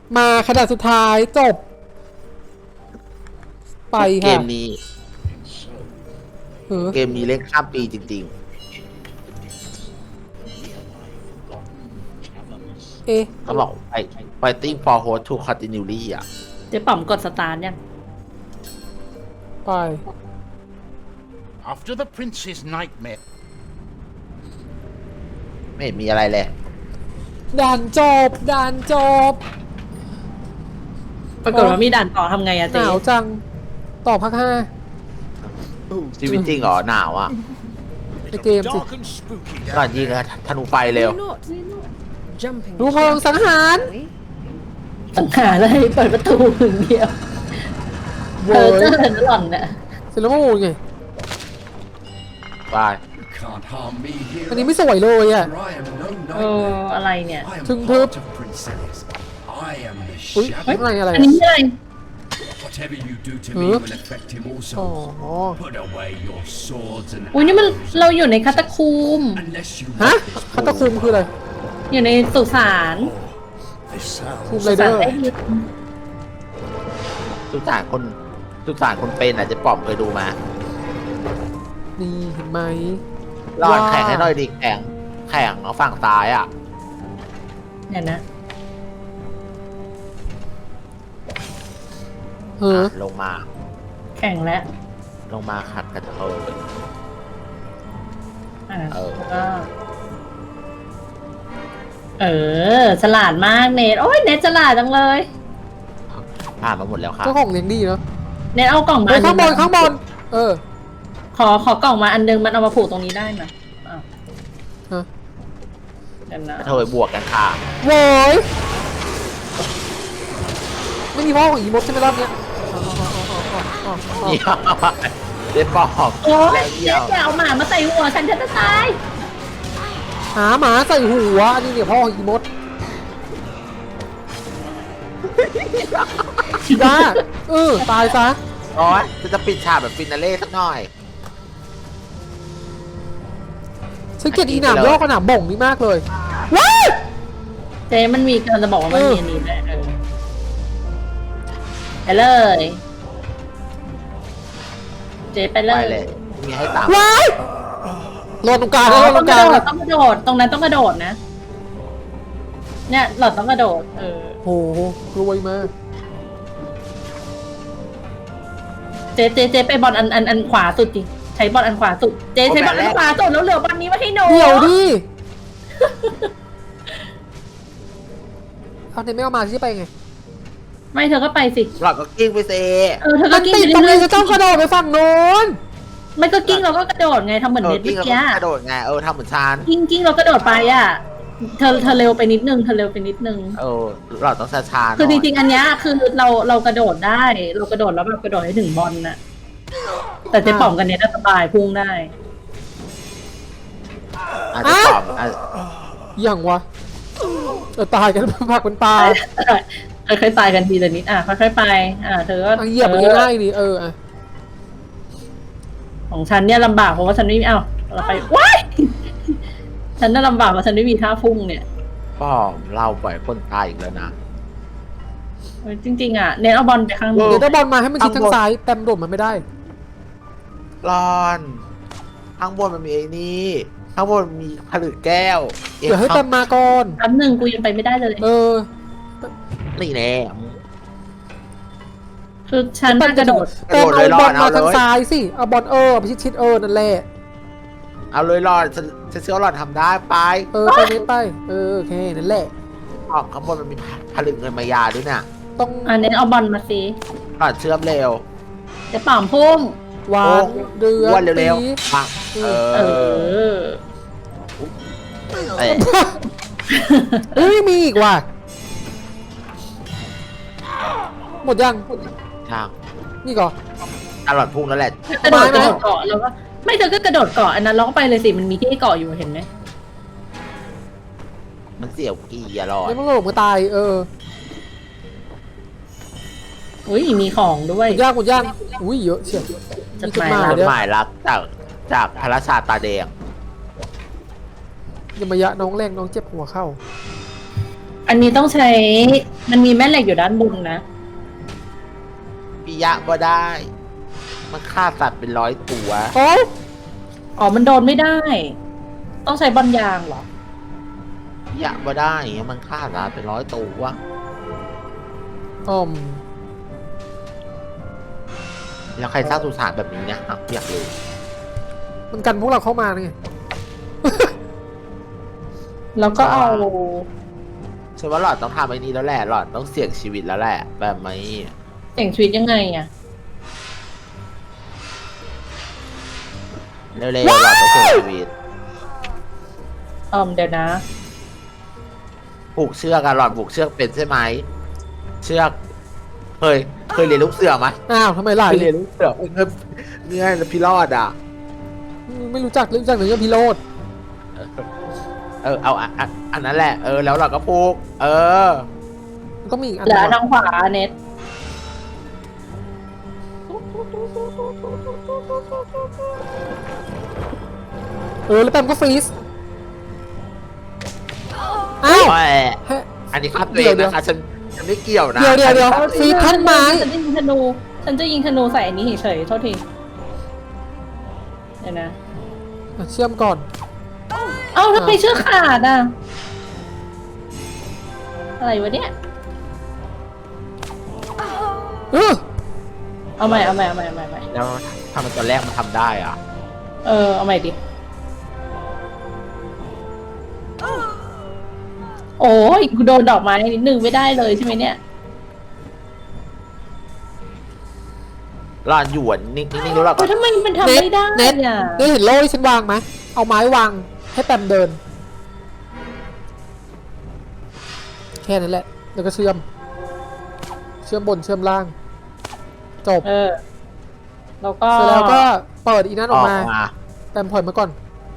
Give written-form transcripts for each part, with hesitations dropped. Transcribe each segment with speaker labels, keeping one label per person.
Speaker 1: มาขนาดสุดท้ายจบ ไป
Speaker 2: เก
Speaker 1: ค่ะ
Speaker 2: มนี้
Speaker 1: เออ
Speaker 2: เกมนี้เล่นข้ามปีจริง
Speaker 1: เอ๊ะ
Speaker 2: ๆเขาบอกfighting for host to continually อ่ะ
Speaker 3: เจ๊ป๋อมกดสตาร์ทยัง
Speaker 1: ไป
Speaker 4: After the prince's nightmare.
Speaker 2: ไม่เห็นมีอะไรเลย
Speaker 1: ด่านจบด่านจบ
Speaker 3: ปรากฏว่ามีด่านต่อทำไงอะ
Speaker 1: ห
Speaker 3: เจ๊
Speaker 1: นาวจัง ต่อภาคห้า
Speaker 2: ชีวิตจริงเหรอหนาวอ่ะ
Speaker 1: ในเกมสิ
Speaker 4: Dark and spooky
Speaker 2: ก่อนยิงนะธนูไฟเร็ว
Speaker 5: Jumping
Speaker 1: รู้พลังสังหาร
Speaker 3: สังหารอะไรเปิดประตูอย่างเดียว
Speaker 1: โว้
Speaker 3: เจอย เจอหล่อนน่ะ
Speaker 1: เสร็จแล้วมาโวยไง
Speaker 2: ไป
Speaker 6: Can't harm me here.
Speaker 1: อันนี้ไม่สวยเลยอ่ะ
Speaker 6: For I am no
Speaker 3: เออ
Speaker 6: nightmare.
Speaker 3: อะไรเนี่ย
Speaker 6: I am
Speaker 1: Thừng
Speaker 6: part
Speaker 1: thớp.
Speaker 6: of Prince I am the
Speaker 1: อุ้ย
Speaker 6: shadow.
Speaker 1: อะไร
Speaker 3: อันนี้อะไร
Speaker 6: Whatever you do to
Speaker 1: Hả?
Speaker 6: me will affect him
Speaker 1: อ๋อ
Speaker 6: also. Put away your swords and
Speaker 3: อุ้ยนี่มัน
Speaker 6: arrows
Speaker 3: เราอยู่ในคาตาคูม
Speaker 6: unless you
Speaker 1: ฮะ
Speaker 6: want this
Speaker 1: คัตตะคุมคืออะไร
Speaker 3: อยู่ในสุสาน
Speaker 4: This
Speaker 1: คุม
Speaker 4: sounds
Speaker 1: ไร
Speaker 3: สุ
Speaker 1: เด
Speaker 3: สา
Speaker 1: อน ร์
Speaker 3: ใต้ดิน
Speaker 2: สุสานคนเป็นอ่ะเจะปอมเคยดูมา
Speaker 1: นี่เห็นไหม
Speaker 2: รอด
Speaker 1: ว้า
Speaker 2: แข่งให้หน่อยดิแข่งเอาฝั่งซ้ายอ่ะ
Speaker 3: เนี่ยนะ
Speaker 1: เฮ้อ
Speaker 2: ลงมา
Speaker 3: แข่งแล้ว
Speaker 2: ลงมาขัดกระเทย
Speaker 3: อ่ะ
Speaker 2: เออ
Speaker 3: แล้วก็ฉลาดมากเนทโอ้ยเนทฉลาดจังเลย
Speaker 2: ผ่านมาหมดแล้วครับ
Speaker 1: เจ้าของเลี้ยงดีเนาะ
Speaker 3: เนทเอากล่องมา
Speaker 1: เฮ้ยข้างบน
Speaker 3: อั
Speaker 1: ข้างบน เออ
Speaker 3: ขอกล่องมาอันนึงมันเอามาผูกตรงนี้ได้ไหมอ้าว
Speaker 1: ฮะ
Speaker 3: เดี๋ยวนะ
Speaker 2: กระเทยบวกกันค่ะ
Speaker 1: โว้ยไม่มีพ่อของอีมดใช่ไหมรอบเนี้ยอ๋อ
Speaker 2: เยี่ยมเจ๊ปอม
Speaker 3: โอ้ย
Speaker 2: เยี่
Speaker 3: เจ๊
Speaker 2: ยม
Speaker 3: อย่าเอาหมามาใส่หัวฉันจะตาย
Speaker 1: หาหมาใส่หัวอันนี้เนี่ยพ่อของอีมดจ้าตายซะ
Speaker 2: โอ้ยจะปิดฉากแบบฟินาเล่สักหน่อย
Speaker 1: ฉันเกลียดอีหนามย่อกับหนามบ่งนี่มากเลยว้าย
Speaker 3: เจ๊มันมีกำลังจะบอกว่ามันมีอันนี้แหละไปเลย เจ๊ไปเล
Speaker 2: ไป
Speaker 3: ย
Speaker 2: เลย มีให้ตาม
Speaker 1: ว้ายรอตรงกลาง
Speaker 3: อ๋
Speaker 1: แล้ว
Speaker 3: อ
Speaker 1: รอต
Speaker 3: ต้
Speaker 1: ร
Speaker 3: อง
Speaker 1: ง
Speaker 3: ก
Speaker 1: ก
Speaker 3: ระ
Speaker 1: ลาง
Speaker 3: โดด
Speaker 1: แล้ว
Speaker 3: ต้องกระโดด ตรงนั้นต้องกระโดดนะ เนี่ยหลอดต้องกระโดด
Speaker 1: โหรวยมาก
Speaker 3: เจ๊ไปบอลอันขวาสุดดิใช้บอลอันขวาสุด เจ๊ใช้บอลอันขวาสุดแล้วเหลือบอลนี้มาให้หนู
Speaker 1: เดี๋ยวดิเอาไหนไม่เอามาที่ไปไง
Speaker 3: ไม่เธอก็ไปสิ
Speaker 2: หลอดก็กิ้งไปเซ
Speaker 3: เธอ
Speaker 1: มั
Speaker 3: ก็
Speaker 1: น
Speaker 3: กิ้ง
Speaker 1: ติด
Speaker 3: ไป
Speaker 1: ตรง
Speaker 3: เรื่
Speaker 1: นี้
Speaker 3: อย
Speaker 1: จะต้องกระโดดไปฝั่งโน้น
Speaker 3: ๆไม่ก็กิ้งเราก็กระโดดไงทำเหมือนเน็ต
Speaker 2: กิ้
Speaker 3: เมื่
Speaker 2: ง
Speaker 3: อ
Speaker 2: แล้ว
Speaker 3: กี้
Speaker 2: ก็กระโดดไงทำเหมือนชาน
Speaker 3: กิ้งเรากระโดดไปอ่ะ เธอเร็วไปนิดนึงเธอเร็วไปนิดนึง
Speaker 2: หลอดต้องช้าๆหน่อย
Speaker 3: คือจริงๆอันเนี้ยคือเรากระโดดได้ เรากระโดดแล้วแบบกระโดดให้ถึงบอลน่ะ แต่เจ๊ป๋อมกันเนี้ยสบายพุ่งได้
Speaker 2: อาจจะปอม
Speaker 1: อย่างวะตายกันผักเป็นปลา
Speaker 3: ค่อยๆตายกันทีละนิดค่อยๆไปเธอก็
Speaker 1: เหยียบมันง่ายๆดิอ่ะ
Speaker 3: ของฉันเนี่ยลำบากเพราะว่าฉันไม่มีเราไปว้ายฉันน่าลำบากเพราะฉันไม่มีท่าพุ่งเนี่ย
Speaker 2: ปอมเราปล่อยคนตายอีกแล้วนะ
Speaker 3: จริงๆเน้นเอาบอลไปข้างบน
Speaker 1: เดี๋ยวถ้าบอลมาให้มันชิดทางซ้ายแต้มโดดมันไม่ได้
Speaker 2: รอนข้างบนมันมีไอ้นี่ข้างบนมีผลึกแก้ว
Speaker 1: เดี๋ยวให้แต้มมาก่อน
Speaker 3: แป๊บนึงกูยังไปไม่ได้เลย
Speaker 2: นี่แน่
Speaker 3: คือฉันน่ากระโดด
Speaker 1: แต้มเอาบอลมาทางซ้ายสิเอาบอลไปชิดนั่นแหละ
Speaker 2: เอาเลยรอนฉันเชื่อว่าหลอดทำได้ไป
Speaker 1: ไปเน้นไปโอเคนั่นแหละ
Speaker 2: ปอมข้างบนมันมีผลึกเงินมายาด้วยน่ะ
Speaker 1: ต้อง
Speaker 3: เน้นเอาบอลมาสิ
Speaker 2: หลอดเชื่อมเร็ว
Speaker 3: จะป่อมพุ่ง
Speaker 1: หวานเดือ
Speaker 2: อ้วน
Speaker 1: ด
Speaker 2: เร็ว
Speaker 1: ปี
Speaker 2: ๆปัง
Speaker 3: อ
Speaker 2: เอ้ย
Speaker 1: เอ้ยมีอีกว่ะหมดยัง
Speaker 2: ช่าง
Speaker 1: นี่ก่อน
Speaker 2: หลอดพุ่งแล้วแหละ
Speaker 3: กระโดดเกาะแล้วก็ไม่เธอก็กระโดดเกาะอันนั้นเราก็ไปเลยสิมันมีที่ให้เกาะอยู่เห็นไหม
Speaker 2: มันเสี่ยวกี่อะหลอด
Speaker 1: นี่มันหลงมาตาย
Speaker 3: อุ้ยมีของด้วย
Speaker 1: หมดย่างอุ้ยเยอะเชียว
Speaker 3: จด
Speaker 1: มี
Speaker 3: หมาย
Speaker 2: จด
Speaker 1: เดี๋ยว
Speaker 2: หมายรักจากพระราชาตาแดง
Speaker 1: อย่ามายะน้องแรงน้องเจ็บหัวเข้า
Speaker 3: อันนี้ต้องใช้ มันมีแม่เหล็กอยู่ด้านบนนะ
Speaker 2: ปิยะบ่ได้ มันฆ่าสัตว์เป็น100 ตัว
Speaker 1: โอ้
Speaker 3: อ๋อ มันโดนไม่ได้ ต้องใช้บอลยางเหรอ
Speaker 2: ปิยะบ่ได้อย่างเงี้ยมันฆ่าสัตว์เป็น100 ตัว แล้วใครสร้างสุสานแบบนี้เนี่ยอยากรู้
Speaker 1: มันกันพวกเราเข้ามาไง
Speaker 3: แล้วก็เอา
Speaker 2: ฉันว่าหลอดต้องทำไอ้นี้แล้วแหละหลอดต้องเสี่ยงชีวิตแล้วแหละ แบบไหม
Speaker 3: เสี่ยงชีวิตยังไงอ่ะ
Speaker 2: เร็วๆหลอดต้องเสี่ยงชีวิต
Speaker 3: เดี๋ยวนะ
Speaker 2: ผูกเชือกกันหลอดผูกเชือกเป็นใช่ไหมเชือกเคยเรียนลูกเสือไหม
Speaker 1: อ้าวทำไมล่ะ
Speaker 2: เคยเรียนลูกเสือเนี่ยพี่รอดอ่ะ
Speaker 1: ไม่รู้จักหรือยังพี่โรด
Speaker 2: เอาอันนั้นแหละแล้วเราก็ผูก
Speaker 1: มันต้องมีอีกอัน
Speaker 3: เหลือ
Speaker 1: หนึ่ง
Speaker 3: ทางขวาเน็ต
Speaker 1: แล้วแปมก็ฟรีซอ้าว
Speaker 2: โอ้ย
Speaker 1: ให้
Speaker 2: อันนี้ครับตัวเองนะคะฉันไม่เกี่ยวนะ
Speaker 1: เดี๋ยวฟรีซท่อนไม้
Speaker 3: ฉันจะยิงธนู ฉันจะยิงธนูใส่อันนี้เฉยๆโทษที เดี๋ยวนะ
Speaker 1: เชื่อมก่อน
Speaker 3: เอ้าทำไมเชือกขาดอ่ะ อะไรวะเนี่ย เอาใหม่
Speaker 2: แล้วทำไมตอนแรกมันทำได้อ่ะ
Speaker 3: เอาใหม่ดิ โอ้ยกูโดนดอกไม้นิดนึงไม่ได้เลยใช่ไหมเนี่ย
Speaker 2: หลอดหยวนนิ่งๆรู้หรอ
Speaker 3: แต่ทำไมมันทำไม่ได้
Speaker 1: เน็ต
Speaker 3: อ่ะ
Speaker 1: เห็นโล่ที่ฉันวางไหมเอาไม้วางให้แปมเดิน แค่นั้นแหละ แล้วก็เชื่อมบนเชื่อมล่าง จบ
Speaker 3: แล้วก็
Speaker 1: เสร็จแล้วก็เปิดอีนั่นอ
Speaker 2: อ
Speaker 1: อ
Speaker 2: อก ก
Speaker 1: มา
Speaker 2: มา
Speaker 1: แปมถอยมาก่อน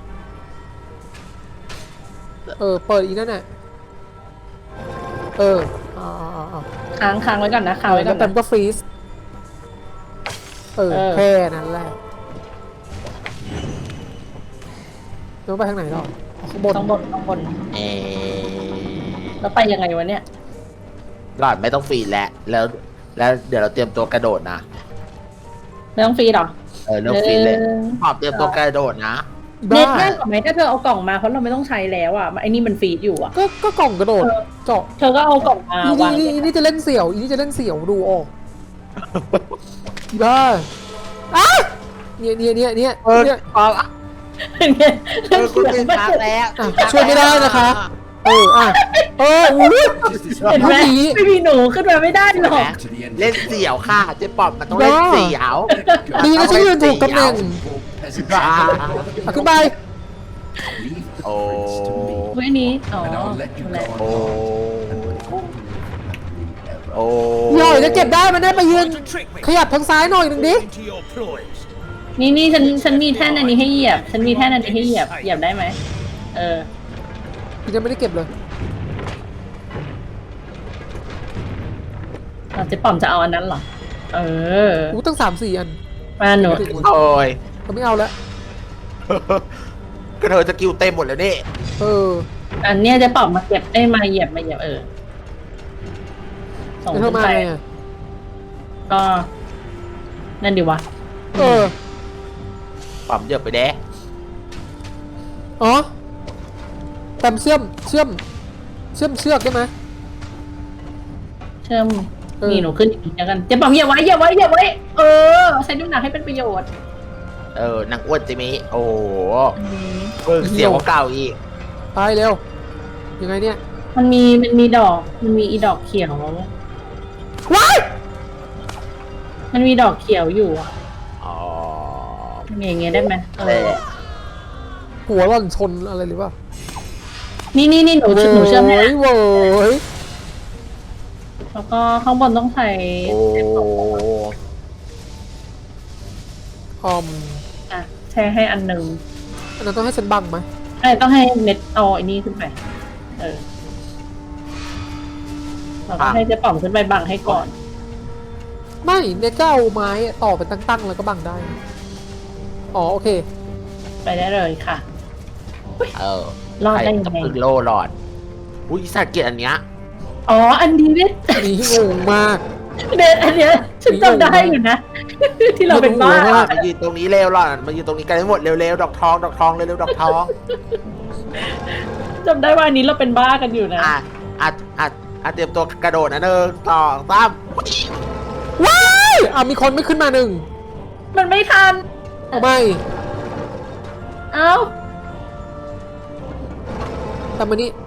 Speaker 1: เปิดอีนั่นน่ะเอา
Speaker 3: ค้างไว้ก่อนนะค้างไว้ก่
Speaker 1: แล้
Speaker 3: อ
Speaker 1: วน แป
Speaker 3: นะ
Speaker 1: มก็ฟรีซแค่นั้นแหละแล้วไปทางไหนหรอข้างบน
Speaker 3: ข้างบน แล้วไปยังไงวะเนี่ย
Speaker 2: หลอดไม่ต้องฟรีแล้วเดี๋ยวเราเตรียมตัวกระโดดนะ
Speaker 3: ไม่ต้องฟรีหรอ
Speaker 2: เริ่มฟรีเลยขอบเตรียมตัวกระโดดนะ
Speaker 3: เน็ตง่ายกว่าไหมถ้าเธอเอากล่องมาเพราะเราไม่ต้องใช้แล้วอ่ะไอ้นี่มันฟรีดอยู่อ่ะ
Speaker 1: ก็กล่องกระโดดเจาะ
Speaker 3: เธอก็เอากล่องมาวาง
Speaker 1: นี่จะเล่นเสี่ยวนี่จะเล่นเสี่ยวดูออกบ้าเนี่ย
Speaker 2: คุณเป็นพักแล้ว
Speaker 1: ช่วยไม่ได้นะคะ
Speaker 3: เห็นไหมไม่มีหนูขึ้นมาไม่ได้หรอก
Speaker 6: To the end.
Speaker 2: เล่นเสี่ยวค่ะเจ๊ปอบมันต้องเล่นเสี่ยว
Speaker 1: ดีนะฉันยืนถูกตำแหน่ง
Speaker 6: Peasant
Speaker 1: ขึ้นไป
Speaker 6: leave the
Speaker 2: โอ้
Speaker 6: prince to me,
Speaker 3: ไว้นี้อ๋อ
Speaker 6: and I'll let you
Speaker 3: แหละ
Speaker 6: go
Speaker 2: โอ้ โอ้
Speaker 1: หน่อยจะเก็บได้มันได้ไปยืน
Speaker 4: To trick me
Speaker 1: ขยับทางซ้ายหน่อยหนึ่งดิ
Speaker 4: into your ploys.
Speaker 3: นี่ฉันมีแท่นอันนี้ให้เหยียบ ฉันมีแท่นอันนี้ให้เหยียบได้ไหม
Speaker 1: ยังไม่ได้เก็บเลย
Speaker 3: เจ๊ป๋อมจะเอาอันนั้นเหรอ
Speaker 1: ตั้ง3-4 อัน
Speaker 3: มาหนู
Speaker 2: โอ้ย
Speaker 1: ก็ไม่เอาแล้ว
Speaker 2: ก็เธอจะกิวเต็มหมดแล้วนี่
Speaker 3: อันเนี้ยเจ๊ป๋อมมาเก็บได้มาเหยียบส่ง
Speaker 1: แล้วเธ
Speaker 3: ขึ้
Speaker 1: อน มา
Speaker 3: ไป
Speaker 1: ไงอ่ะ
Speaker 3: ก็นั่นดีวะ
Speaker 2: ปั๊มเยอะไปแด้
Speaker 1: อ๋อแปมเชื่อมเชือกได้ไหม
Speaker 3: เชื่อม
Speaker 1: เออ
Speaker 3: นี่หนูขึ้นอีกแล้วกันเจ๊ป๋อมเหยียบไว้ใช้น้ำหนักให้เป็นประโยชน์
Speaker 2: นางอ้วนจิมิโอ้โหเสี่ยวกว่าเก่าอีก
Speaker 1: ไปเร็ว ยังไงเนี่ย
Speaker 3: มันมีอีดอกเขียว
Speaker 1: ว้าย
Speaker 3: มันมีดอกเขียวอยู่อะ
Speaker 2: อ๋อ
Speaker 3: มันอย่างเงี้ยได้ไหม
Speaker 1: หัวหล่อนชนอะไรหรือเปล่า
Speaker 3: นี่หนูเชื่อมให้นะ
Speaker 1: เว้ย
Speaker 3: แล้วก็ข้างบนต้องใส่
Speaker 2: โอ้
Speaker 3: แช่ให้อันหนึ่ง
Speaker 1: อันนั้นต้องให้ฉันบังไหม
Speaker 3: ต้องให้เม็ดเอาไอ้นี่ขึ้นไปเราก็ให้เจ๊ป๋อมขึ้นไปบังให้ก่อน
Speaker 1: ไม่เนี่ยก็เอาไม้ต่อเป็นตั้งๆแล้วก็บังได้ อ๋อโอเค
Speaker 3: ไปได้เลยค่ะ รอดได้ยังไง
Speaker 2: ใครจะพึ่งโลหลอดอุ้ยสัตว์เกลียดอันเนี้ย
Speaker 3: อ๋ออันนี้เนี่ย
Speaker 1: อันนี้งงมาก
Speaker 3: เดนอันเนี้ยฉันจำได้อยู่นะ ที่เราเป็นบ้า
Speaker 2: หล่อนมายืนตรงนี้เร็วหล่อนมายืนตรงนี้กันให้หมดเร็วๆดอกทองเร็วๆดอกทอง
Speaker 3: จำได้ว่าอันนี้เราเป็นบ้ากันอยู่นะ
Speaker 2: เตรียมตัวกระโดดนะ1 2 3
Speaker 1: ว้ายมีคนไม่ขึ้นมาหนึ่ง
Speaker 3: มันไม่ทัน
Speaker 1: ไม่
Speaker 3: เอ้า
Speaker 1: แต่มานี่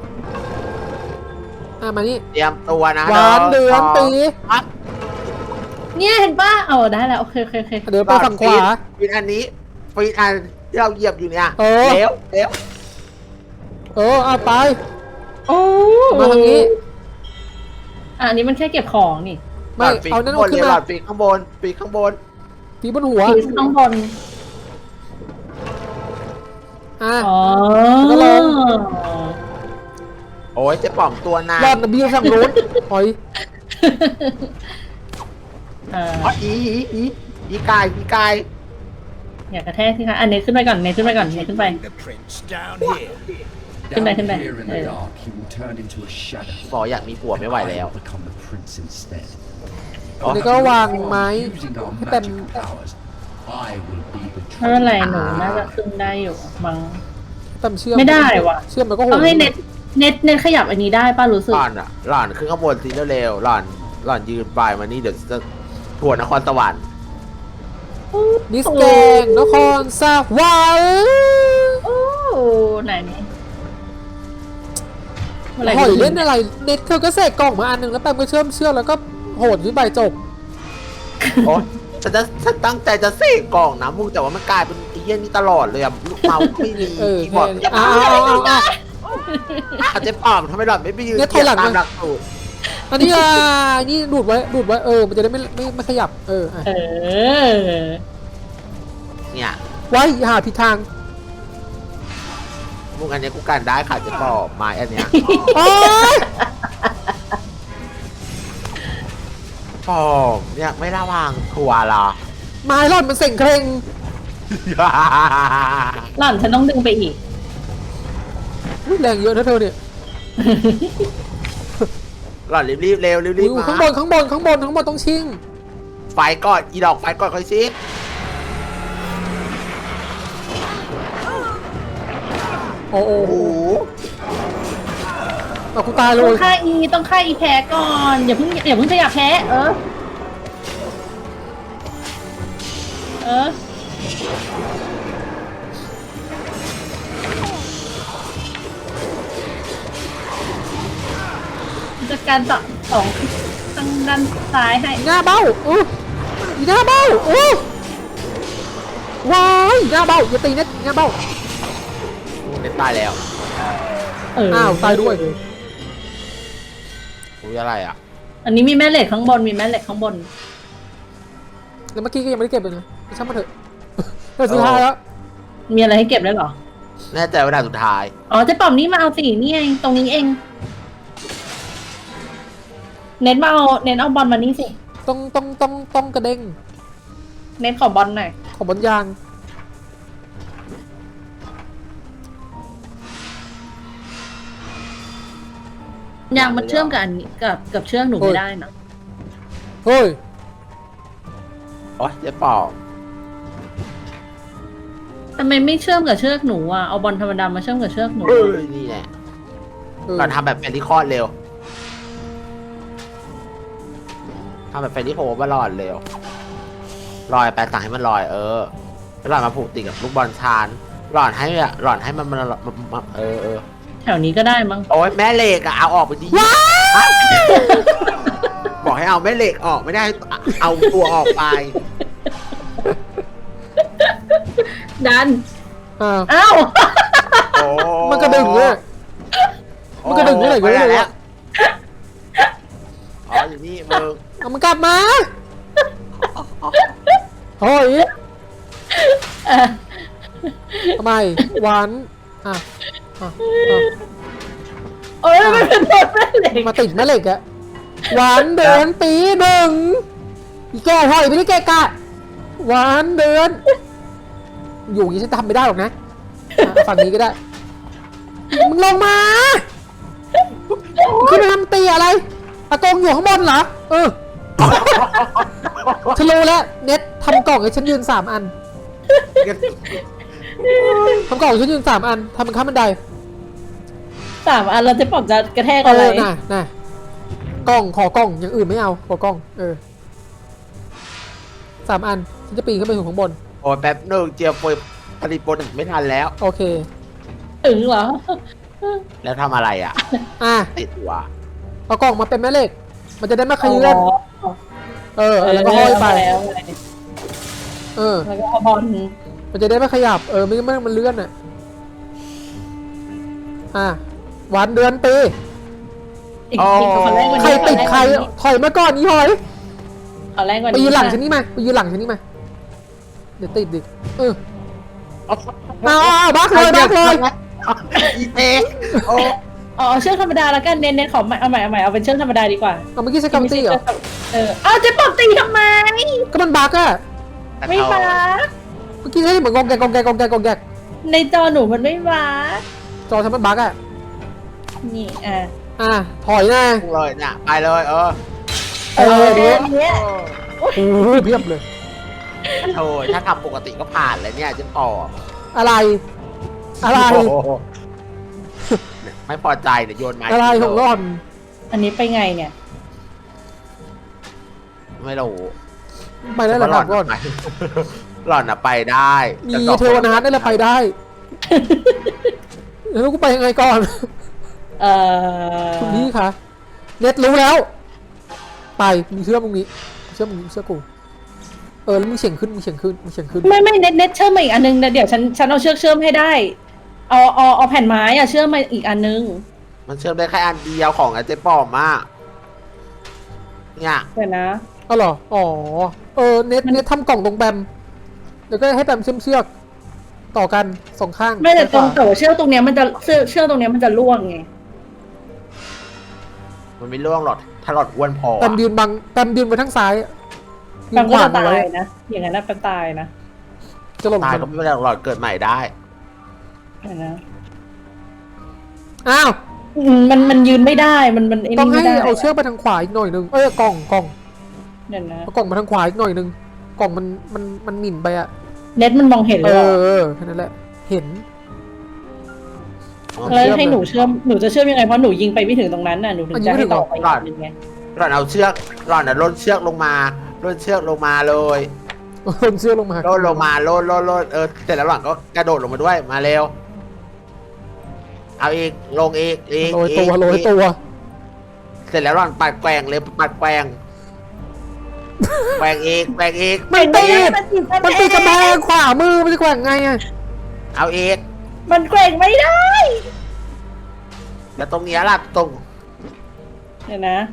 Speaker 1: มานี่
Speaker 2: เตรียมตัวนะ
Speaker 1: หวานเดือนปี
Speaker 2: ครับ
Speaker 3: เนี่ยเห็นป่ะได้แล้วโอเคโอเคโอเค
Speaker 1: เดี๋ยวไปฝั่งขวา
Speaker 2: ฟีนอันนี้ฟีนอันที่เราเหยียบอยู่เนี่ย
Speaker 1: เออ
Speaker 2: เร็ว
Speaker 1: เอาไป
Speaker 3: โอ้
Speaker 1: มาทางนี้
Speaker 3: อันนี้มันแค่เก็บของนี่
Speaker 1: ไม่เอานั่นเอาขึ้น
Speaker 2: หล
Speaker 1: มา
Speaker 2: อดฟีนข้างบนฟีนข้างบน
Speaker 1: ปีบนหัว
Speaker 3: พีข้างบน
Speaker 1: อ่ะ
Speaker 3: อ๋อ
Speaker 1: แล้วก็ลง
Speaker 2: โอ้ยเจ๊ป๋อมตัวนาย
Speaker 1: รอดนะบิวฝั่งนู้นถอย
Speaker 2: อ๋ออีกาย
Speaker 3: อยากกระแทกสิคะอันนี้ขึ้นไปก่อนเนยขึ้นไปก่อนเนยขึ้นไป
Speaker 4: The prince down here.
Speaker 3: Come back,
Speaker 6: Down
Speaker 3: come back.
Speaker 6: here in the
Speaker 3: Yeah.
Speaker 6: dark, he will turn into a shadow.
Speaker 2: บอกอยากมีผัวไม่ไหว
Speaker 6: I
Speaker 2: แล้ว
Speaker 6: will become the prince instead.
Speaker 1: อันนี้ก็วางไม้
Speaker 6: Using our
Speaker 1: ให้เต็ม
Speaker 6: magical powers, I will be the
Speaker 3: ไม่เป็นไร
Speaker 6: true
Speaker 3: หนูน่าจะขึ้นได้อยู่มั้ง
Speaker 1: เต็มเชื่อม
Speaker 3: ไม่ได้ว่ะ
Speaker 1: เชื่อมมันก็โห
Speaker 3: ต้องให้เน็ตขยับอันนี้ได้ป่ะรู้สึก
Speaker 2: หล่อนขึ้นข้างบนสิเร็วๆหล่อนยืนปลายมานี่เดี๋ยวจะทัวร์นครสวรรค์
Speaker 1: มิสแกงนครสวรรค์
Speaker 3: โอ้ไหนนี่เมื่อไหร่
Speaker 1: หอยเล่นอะไรเน็ตเธอก็เสกกล่องมาอันหนึ่งแล้วแปมก็เชื่อมแล้วก็โหดขึ้นไปจบ
Speaker 2: โอ๊ยฉันตั้งใจจะเสกกล่องนะมึงแต่ว่ามันกลายเป็นไอ้เหี้ยนี่ตลอดเลยอะลูกเมาส์ไม่มี
Speaker 1: เออ
Speaker 2: คีย์บอร์ด
Speaker 1: แค่นี้เอา
Speaker 2: เจ๊ป๋อมทำไมหล่อนไม่ไปยืน
Speaker 1: เนี่ยถอยหลัง
Speaker 2: ตาม
Speaker 1: มา
Speaker 2: หลักสูตร
Speaker 1: อันนี้นี่ดูดไว้มันจะได้ไม่ขยับอ่ะ
Speaker 3: เออ
Speaker 2: เนี่ย
Speaker 1: ไว้หาผิดทาง
Speaker 2: มึงอันเนี้ยกูกันได้ค่ะเจ๊ป๋อมไม้อันเนี้ย
Speaker 1: โอ๊ย
Speaker 2: ป๋อมเนี่ยไม่ระวังทัวร์เหรอ
Speaker 1: ไม้ร่อนมันเส่งเคร่ง
Speaker 3: หล่อนฉันต้องดึงไปอีก
Speaker 1: อุ๊ยแรงเยอะนะเธอเนี่ย
Speaker 2: หล่อนรีบๆเร็วรีบ
Speaker 1: อุ๊ย
Speaker 2: ๆมา
Speaker 1: ข้างบนต้องชิง
Speaker 2: ไฟก่อนอีดอกไฟก่อนค่อยซิ
Speaker 1: โอ้โห
Speaker 2: โอ้โห
Speaker 1: เอากูตายเล
Speaker 3: ต้อย งฆ่าอีแพ้ก่อนอย่าเพิ่งจะอยากแพ้จัดการต่อสองทางด้านซ้ายให้
Speaker 1: อีหน้าเบ้าอีหน้าเบ้าว้ายอีหน้าเบ้าอย่าตีนะอีหน้าเบ้า
Speaker 2: เน็ตตายแล้ว
Speaker 1: อ้าวตายด้วย
Speaker 2: อุ้ยอะไรอ่ะ
Speaker 3: อันนี้มีแม่เหล็กข้างบน
Speaker 1: แล้วเมื่อกี้ก็ยังไม่ได้เก็บเลยนะช่างมันเถอะแต่สุดท้ายแล้ว
Speaker 3: มีอะไรให้เก็บได้หรอ
Speaker 2: แน่ใจว่าด่านสุดท้าย
Speaker 3: อ๋อเจ๊ป๋อมนี่มาเอาสินี่ไงตรงนี้เองเน้นเอาบอลมานี่สิ
Speaker 1: ต้องกระเด้ง
Speaker 3: เน้นขอบอลหน่อย
Speaker 1: ของบนยาง
Speaker 3: ยางมันเชื่อมกับอันนี้กับเชือกหนูไม่ได้นะ
Speaker 1: เฮ้ย
Speaker 2: โอ๊ยเจ๊ป๋อม
Speaker 3: ทำไมไม่เชื่อมกับเชือกหนูอ่ะเอาบอลธรรมดามาเชื่อมกับเชือกหนู
Speaker 2: เอ้ยนี่แหละก่อนทำแบบแฟนที่คลอดเร็วทำแบบแฟนที่โผล่มาหลอดเร็วลอยไปสั่งให้มันลอยแล้วหลอดมาผูกติดกับลูกบอลชานหลอดให้มัน
Speaker 3: แถวนี้ก็ได้มั้ง
Speaker 2: โอ๊ยแม่เหล็กอะเอาออกไปดิบอกให้เอาแม่เหล็กออกไม่ได้เอาตัวออกไป
Speaker 3: ดัน
Speaker 1: อ้าว
Speaker 3: อ้าว
Speaker 2: โอ้
Speaker 1: มันกระดึงเลยมันกระดึงอะไรกันไม่รู้อะ
Speaker 2: อ๋ออยู่นี่มึง
Speaker 1: เอามันกลับมาโอ้ยทำไมหวานอ่ะ
Speaker 3: โอ้ยมันเป็นตัวแม่เหล็ก
Speaker 1: มาติดแม่เหล็กอะหวานเดือนปีหนึ่งอีแก่หอยไม่ได้แก่กะหวานเดือนอยู่อย่างนี้ฉันทำไม่ได้หรอกนะฝั่งนี้ก็ได้มึงลงมาขึ้นไปทำตีอะไรอากงอยู่ข้างบนเหรอฉันรู้แล้วเน็ตทำกล่องให้ฉันยืน3 อันทำกล่องให้ฉันยืน3 อันทำเป็นข้ามบันได
Speaker 3: 3 อันเราจะปอบจะกระแทก
Speaker 1: เอ
Speaker 3: อะไร
Speaker 1: อน่ะกล่องขอกล่องอย่างอื่นไม่เอาขอกล่อง3 อันฉันจะปีนขึ้นไปถึงข้างบน
Speaker 2: โอ้ยแป๊บนึงเจียวผลิตโปรดักต์ไม่ทันแล้ว
Speaker 1: โอเค
Speaker 3: ถึงเหรอ
Speaker 2: แล้วทำอะไรอ่ะ
Speaker 1: อ่ะ
Speaker 2: ติดหัว
Speaker 1: เอากล่องมาเป็นแม่เหล็ก มันจะได้ไม่ขยื่นแล้วก็ห้อยไป
Speaker 3: แล้ว
Speaker 1: แล้ว
Speaker 3: ก็เอาบอล
Speaker 1: มันจะได้ไม่ขยับไม่งั้นมันเลื่อนวันเดือนปี
Speaker 3: อีกคนแรกวัน
Speaker 1: ใคร
Speaker 3: นี้
Speaker 1: ติดใครถอยมาก่อนนี่หอย
Speaker 3: คนแรกวัน
Speaker 1: ไป
Speaker 3: นี้
Speaker 1: ยืนหลังฉันนี่มาไปยืนหลังฉันนี่มาเดี๋ยวติดดิบักเลย
Speaker 2: อีเตโอ้
Speaker 3: อ๋อเชือกธรรมดาแล้วกันเน้นๆขอเอาใหม่เอาเป็นเชือกธรรมดาดีกว่า
Speaker 1: เอาเมื่อกี้ใช้กำตีเหรอ
Speaker 3: เอาเจ๊ปอบตีทำไม
Speaker 1: ก็มันบักอะ
Speaker 3: ไม่มา
Speaker 1: เมื่อกี้ใช้เหมือนกองแกก
Speaker 3: ในจอหนูมันไม่มา
Speaker 1: จอทำมันบักอะ
Speaker 3: นี่
Speaker 1: ถอยนะ
Speaker 2: เลยน่ะไปเลย
Speaker 1: เนี้ยเพียบเลย
Speaker 2: โธ่ถ้าทำปกติก็ผ่านเลยเนี่ยจะต่อ
Speaker 1: อะไร
Speaker 2: ไม่พอใจเนี่ยโยนไม้
Speaker 1: อะไรของร่อน
Speaker 3: อันนี้ไปไงเนี่ย
Speaker 2: ไม่รู้
Speaker 1: ไปได้หรอครับร่อน
Speaker 2: หล่อนอะไปได้
Speaker 1: มีเทวนาถได้แล้วไปได้แล้วกูไปยังไงก่อนคุณพี่คะเน็ตรู้แล้วไปมึงเชื่อมึงนี้เชื่อกูแล้วมึงเฉียงขึ้น
Speaker 3: ไม่เน็ตเชื่อมมาอีกอันนึงนะเดี๋ยวฉันเอาเชือกเชื่อมให้ได้เอาแผ่นไม้เชื่อมมาอีกอันนึง
Speaker 2: มันเชื่อมได้แค่อันเดียวของไอ้เจ๊ปอมมากเนี่ย
Speaker 3: เดี๋ยวนะ
Speaker 1: อ๋อเหรอเน็ตทำกล่องตรงแบมเดี๋ยวก็ให้แบมเชื่อมเชือกต่อกัน2 ข้าง
Speaker 3: ไม่แต่แต่ว่าเชือกตรงเนี้ยมันจะเชือกตรงเนี้ยมันจะล่วงไง
Speaker 2: มันไม่ล่วงหรอกถ้าหลอดอ้วนพอ
Speaker 1: แบมยืนไปทางซ้าย
Speaker 3: แปมก็จะตายนะอย่างนั้นแปมตายนะ
Speaker 1: จะหล่น
Speaker 2: ตายก็ไม่เป็นไรหรอกหลอดเกิดใหม่ได้
Speaker 3: เดี๋ยวนะ
Speaker 1: อ้าว
Speaker 3: มันยืนไม่ได้มัน
Speaker 1: ต้องให้
Speaker 3: ไม่ได้
Speaker 1: เอาเชือกไปทางขวาอีกหน่อยนึงกล่อง
Speaker 3: เดี๋ยวนะ
Speaker 1: เอากล่องมาทางขวาอีกหน่อยนึงกล่องมันหมิ่นไปอะ
Speaker 3: เน็ตมันมองเห็นเลย
Speaker 1: แค่นั้นแหละเห็น
Speaker 3: แล้วให้หนูเชื่อมหนูจะเชื่อมยังไงเพราะหนูยิงไปไม่ถึงตรงนั้นน่ะหนูถึงจะให้ต่อไปอีกไง
Speaker 2: หลอดเอาเชือกหลอดล่นเชือกลงมาเลย
Speaker 1: ลนเชือกลงมา
Speaker 2: ล่นลงมาล่นเสร็จแล้วหลอดก็กระโดดลงมาด้วยมาเร็วเอาอีกลงอีก
Speaker 1: โรยตัว
Speaker 2: เสร็จแล้วหลอดปัดแกว่งเลยปัดแกว่งอีก
Speaker 1: ไม่ติดมันติดกระแพงขวามือมันจะแกว่งไงอะ
Speaker 2: เอาอีก
Speaker 3: มันแกว่งไม่ได้
Speaker 2: แล้วตรงนี้ล่ะตรง
Speaker 3: เดี๋ยวนะ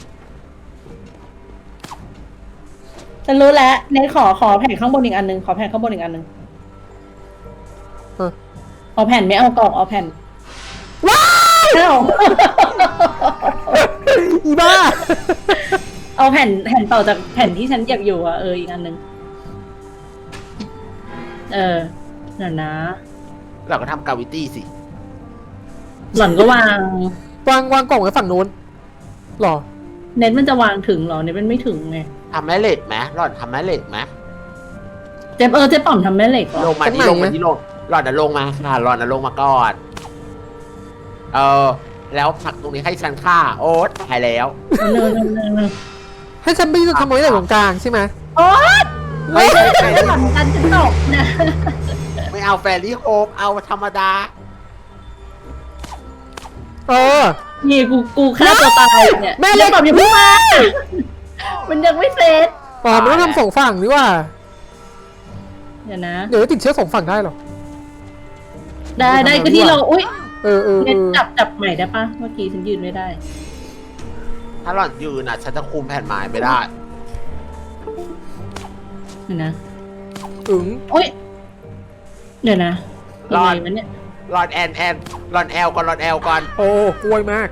Speaker 3: ฉันรู้แล้วเน็ตขอแผ่นข้างบนอีกอันนึงขอแผ่นข้างบนอีกอันนึงเอาแผ่นไม่เอากล่องเอาแผ่นว้าว
Speaker 1: อีบ้า
Speaker 3: เอาแผ่นต่อจากแผ่นที่ฉันอยากอยู่อีกอันนึงเดี๋ยวนะ
Speaker 2: เราก็ทำกาวิตี้สิ
Speaker 3: หล่อนก็วาง
Speaker 1: วางกล่องไว้ฝั่งนู้นหรอ
Speaker 3: เน็ตมันจะวางถึงหรอเน็ตมันไม่ถึงไง
Speaker 2: ทำแม่เหล็กไหมหลอดทำแม่เหล็กไหม
Speaker 3: เจ๊ป๋อมทำแม่เหล็กเหรอ
Speaker 2: ลงมาที่ลงหลอดลงมาค่ะหลอดลงมาก่อนแล้วผลักตรงนี้ให้ฉันฆ่าโอ๊ตตายแล้ว
Speaker 3: เนิน
Speaker 1: ให้ฉันไปทำไว้ในตรงกลางใช่ไหม
Speaker 3: โอ๊ตไม่ใช่หล่อนกันจะตกนะ
Speaker 2: ไม่เอาแฟรี่โฮปเอาธรรมดา
Speaker 3: นี่กูฆ่าตัวตายเนี่ยแม่เลยป๋อมอย่าเพิ่งมามันยังไม่เสร็จ
Speaker 1: มันต้องทำ2 ฝั่งนี่ว่า
Speaker 3: เดี๋ยวนะ
Speaker 1: เดี๋ยวติดเชื้อ2 ฝั่งได้หรอ
Speaker 3: ได้ก็ที่เราอุ้ย
Speaker 1: เน็ต
Speaker 3: จับใหม่ได้ปะเมื่อกี้ฉันยืนไม่ได้
Speaker 2: ถ้าหลอดยืนฉันจะคุมแผ่นไม้ไม่ได้
Speaker 3: เดี๋ยวนะ
Speaker 1: อุ้ย
Speaker 3: เดี๋ยวนะ
Speaker 2: รอด
Speaker 3: ยังไงวะเนี่ย
Speaker 2: หลอดแอนหลอดแอลก่อน
Speaker 1: โอ้กล้วยมาก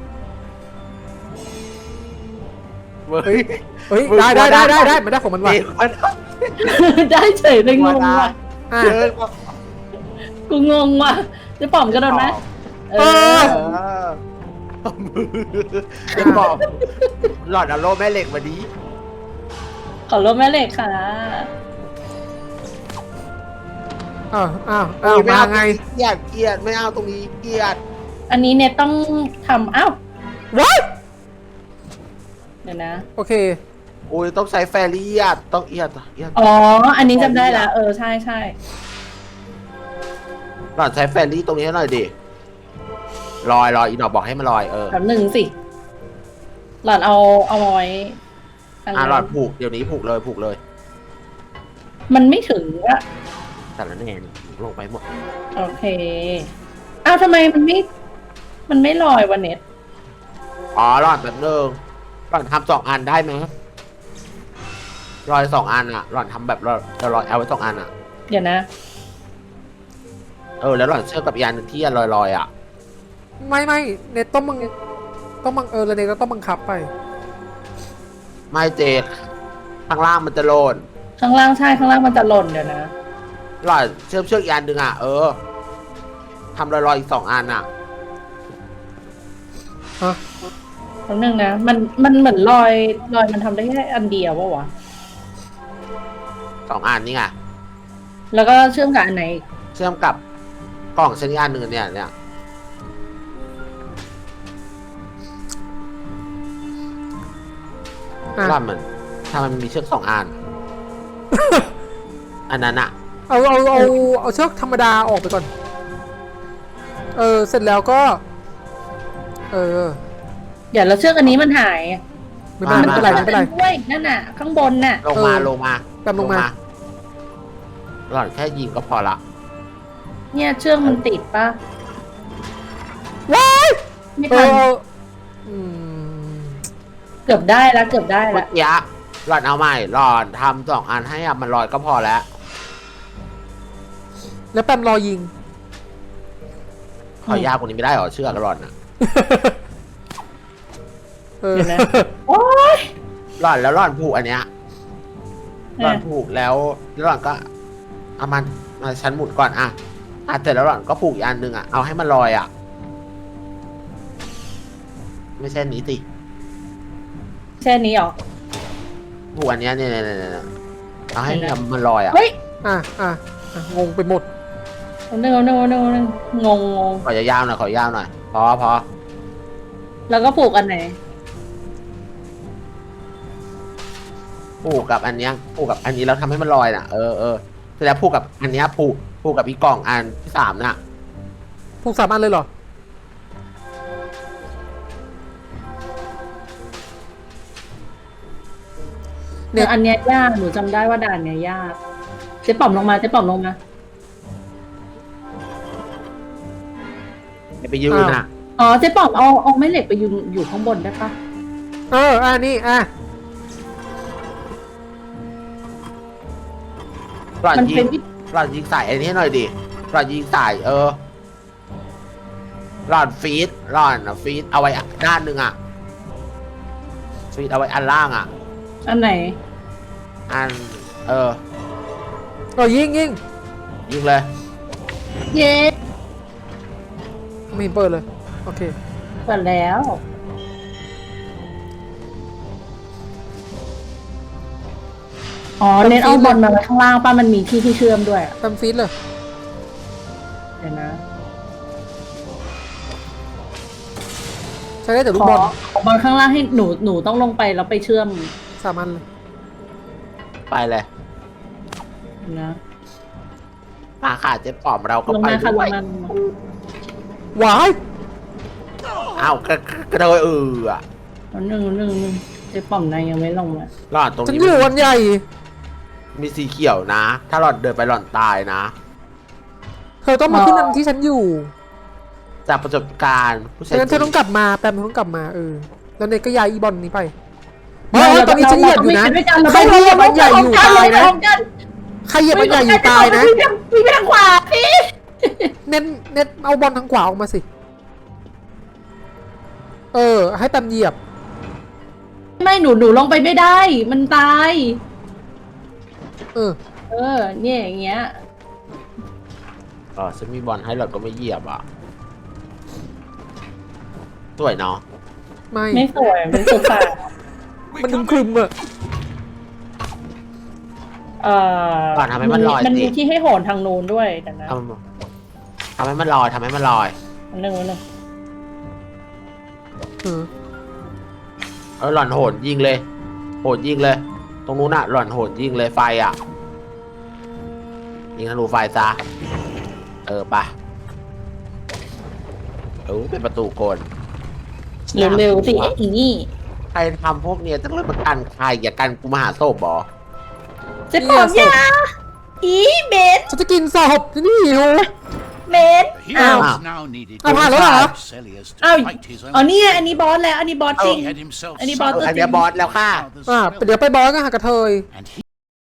Speaker 2: เฮ้ย
Speaker 1: ได้มันได้ของมันว่ะ
Speaker 3: ได้เฉยเลยงงว่ะ
Speaker 2: เยอะ
Speaker 3: กูงงว่ะจะป๋อมกระโดดไหม
Speaker 2: เจ๊ปอมหลอดเอาโล่แม่เหล็กมาดี
Speaker 3: ขอรถแม่เหล็กค่ะ
Speaker 1: มาไง
Speaker 2: เกลียดไม่เอาตรงนี้เกลียด
Speaker 3: อันนี้เนี่ยต้องทำอ้าว
Speaker 1: ว้าย
Speaker 3: เดี๋ยวนะ
Speaker 1: โอเค
Speaker 2: โอ้ยต้องใช้แฟรี่อ่ะต้องเอียด
Speaker 3: อ๋อ อันนี้จำได้แล้วใช่ใช่
Speaker 2: หลอดใช้แฟรี่ตรงนี้ให้หน่อยดิลอยอีดอกบอกให้มันลอย
Speaker 3: แบบหนึ่งสิ หลอดเอาไว้ทาง
Speaker 2: หลอดผูกเดี๋ยวนี้ผูกเลย
Speaker 3: มันไม่ถึงอะ
Speaker 2: แต่ละแน่นี่ลงไปหมด
Speaker 3: โอเค อ้าวทำไมมันไม่ลอยวันเน็ต
Speaker 2: อ๋อหลอดแบบนึงหลอดทำ2 อันได้ไหมลอย2 อันอ่ะหลอดทำแบบลอยเอาไว้2 อันอ่ะ
Speaker 3: เดี๋ยวนะ
Speaker 2: แล้วหลอดเชื่อมกับอีกอันหนึ่งที่ลอยอ่ะ
Speaker 1: ไม่เน็ตต้องบังแล้วเน็ตก็ต้องบังคับไป
Speaker 2: ไม่เจกข้างล่างมันจะโลน
Speaker 3: ข้างล่างใช่ข้างล่างมันจะหล่นเดี๋ยวนะ
Speaker 2: หลอดเชื่อมอีกอันหนึ่งอ่ะทำลอยอีก2 อันอ่ะ
Speaker 1: ฮะ
Speaker 3: ครั้งหนึ่งนะ มันเหมือนลอยมันทำได้แค่อันเดียววะ
Speaker 2: 2 อันนี่ไง
Speaker 3: แล้วก็เชื่อมกับอันไหนอีก
Speaker 2: เชื่อมกับกล่องชนิดอันหนึ่งเนี่ย
Speaker 1: อ่ะ
Speaker 2: ว่ามันทำไมมันมีเชือก2 อัน อันนั้นอ่ะ
Speaker 1: เอาเชือกธรรมดาออกไปก่อน เสร็จแล้วก็
Speaker 3: เดี๋ยวเราเชือกอันนี้มันหาย
Speaker 1: ไม่เป็นไร
Speaker 3: ด้วยนั่นน่ะ ข้างบนน่ะ
Speaker 2: ลงมา
Speaker 1: แป๊บลงมา
Speaker 2: หลอดแค่ยิงก็พอละ
Speaker 3: เนี่ยเชือกมันติดปะ
Speaker 1: ว้าย
Speaker 3: ไม่ทัน
Speaker 1: อืม
Speaker 3: เกือบได้แล้ว
Speaker 2: เมื่อกี้หลอดเอาใหม่หลอดทำ2 อันให้มันลอยก็พอแล้ว
Speaker 1: แล้วแปมรอยิง
Speaker 2: ขอยากกว่านี้ไม่ได้หรอเชือกหลอดน่ะ
Speaker 3: เดี๋ยวนะโอ๊ย
Speaker 2: หลอดแล้วหลอดผูกอันเนี้ยหลอดผูกแล้วหลอดก็เอามันมาชั้นหมุนก่อนเสร็จแล้วหลอดก็ผูกอีกอันหนึ่งเอาให้มันลอยไม่ใช่นี้สิ
Speaker 3: แค่นี้หรอ
Speaker 2: ผูกอันเนี้ยเนี่ยเอาให้มันลอย
Speaker 3: เฮ้ย
Speaker 1: งงไปหมด
Speaker 3: นึงงง
Speaker 2: ขอยาวๆหน่อยพอ
Speaker 3: แล้วก็ผูกอันไหน
Speaker 2: ผูกกับอันเนี้ยผูกกับอันนี้แล้วทำให้มันลอยน่ะเสร็จแล้วผูกกับอันเนี้ยผูกกับอีกกล่องอันที่3น่ะ
Speaker 1: ผูก3 อันเลยเหรอ
Speaker 3: เนี่ยอันเนี้ยยากหนูจำได้ว่าด่านเนี้ยยากเจ๊ป๋อมลงมา
Speaker 2: ไปยืนน่ะ
Speaker 3: อ๋อเจ๊ป๋อมเอาไม้เหล็กไปอยู่ข้างบนได้ปะ
Speaker 1: นี่
Speaker 2: หลอด
Speaker 3: มัน
Speaker 2: ยิ
Speaker 3: เป็น
Speaker 2: งหลอดยิงใส่อันนี้หน่อยดิหลอดยิงใส่หลอดฟีดเอาไว้ด้านหนึ่งฟีดเอาไว้อันล่าง
Speaker 3: อันไหน
Speaker 2: อัน
Speaker 1: ยิง
Speaker 2: ยิงเลย
Speaker 3: เย้
Speaker 1: ไม่เห็นเปิดเลย โอเค
Speaker 3: เปิดแล้ว อ๋อเน้นเอาบอลมาไว้ข้างล่างป้ามันมีที่เชื่อมด้วย
Speaker 1: แปมฟีดเลย
Speaker 3: เดี๋ยวนะ
Speaker 1: ใช้ได้แต่ลูกบอล
Speaker 3: ขอบอลข้างล่างให้หนูต้องลงไปแล้วไปเชื่อม
Speaker 1: 3 อันเลย
Speaker 2: ไปเลย
Speaker 3: นะ
Speaker 2: มาค่ะเจ๊ปอมเราก็
Speaker 3: ลง
Speaker 2: ไป
Speaker 3: มาค่ะล
Speaker 2: ด้วย
Speaker 3: งมา
Speaker 1: ว้าย
Speaker 2: กระโดด
Speaker 3: หนึ่งเจ๊ป๋อมนายยังไม่ลงมา
Speaker 2: หลอดตรง
Speaker 1: ฉัน
Speaker 2: นี้
Speaker 1: อยู่วันใหญ่
Speaker 2: มีสีเขียวนะ ถ้าหลอดเดินไปหลอดตายนะ
Speaker 1: เธอต้องมาขึ้นอันที่ฉันอยู่
Speaker 2: จากประสบการณ์ผู้
Speaker 1: ฉะ
Speaker 2: ชาย
Speaker 1: นั้นเธอต้องกลับมาแปมต้องกลับมาแล้วเน็ตก็ย้ายอีบอลนี้ไปตอนนี้ฉันเหยียบอยู่นะใครเหยียบมันใหญ่อยู่ตายนะใครเหยียบมันใหญ่อยู่ตายนะ
Speaker 3: พี่ไปทางขวาพี่
Speaker 1: เน็ตเอาบอลทางขวาออกมาสิให้แปมเหยียบ
Speaker 3: ไม่หนูลงไปไม่ได้ มันตาย เนี่ยอย่างเงี้ย
Speaker 2: ฉันมีบอลให้หลอดก็ไม่เหยียบสวยเนาะ
Speaker 1: ไม่
Speaker 3: ไม่สวยเป็นสุสาน
Speaker 4: We
Speaker 1: มัน
Speaker 4: come
Speaker 1: ครึม
Speaker 4: in.
Speaker 1: ๆอะ
Speaker 2: หล่อนทำให้มันลอย
Speaker 3: มัน
Speaker 2: สิ
Speaker 3: มีที่ให้โหนทางนู้นด้วยแต่นะ
Speaker 2: ทำให้มันลอยทำให้มันลอย
Speaker 3: อันหนึ่ง
Speaker 2: หล่อนโหนยิงเลย โหนยิงเลย ตรงนู้นน่ะหล่อนโหนยิงเลยไฟอ่ะยิงธนูไฟซะไปเป็นประตูโกน
Speaker 3: เร็วๆสิอีนี่
Speaker 2: ใครทำพวกเนี้ยต้องเริ่มมากันใครอย่ากันกูมาหาศพบอ
Speaker 3: เจ๊ปอมยาอีเบน
Speaker 1: ฉันจะกินศพนี่หิว
Speaker 3: เบน
Speaker 4: The
Speaker 3: อ้าว
Speaker 4: heroes now needed
Speaker 1: Ah,ผ่านแล้วเหรอ
Speaker 4: Celius to
Speaker 3: อ้าว
Speaker 4: fight his own.
Speaker 3: อ๋อนี่อันนี้บอสแล้วอันนี้บอสจริง
Speaker 4: He had himself
Speaker 3: อันนี้บอส
Speaker 4: summoned
Speaker 2: อันเนี้ยบอสแล้วค่ะ
Speaker 4: father's
Speaker 1: อ่ะ
Speaker 4: spell,
Speaker 1: เดี๋ยวไปบอสกันหากระเทย
Speaker 4: and he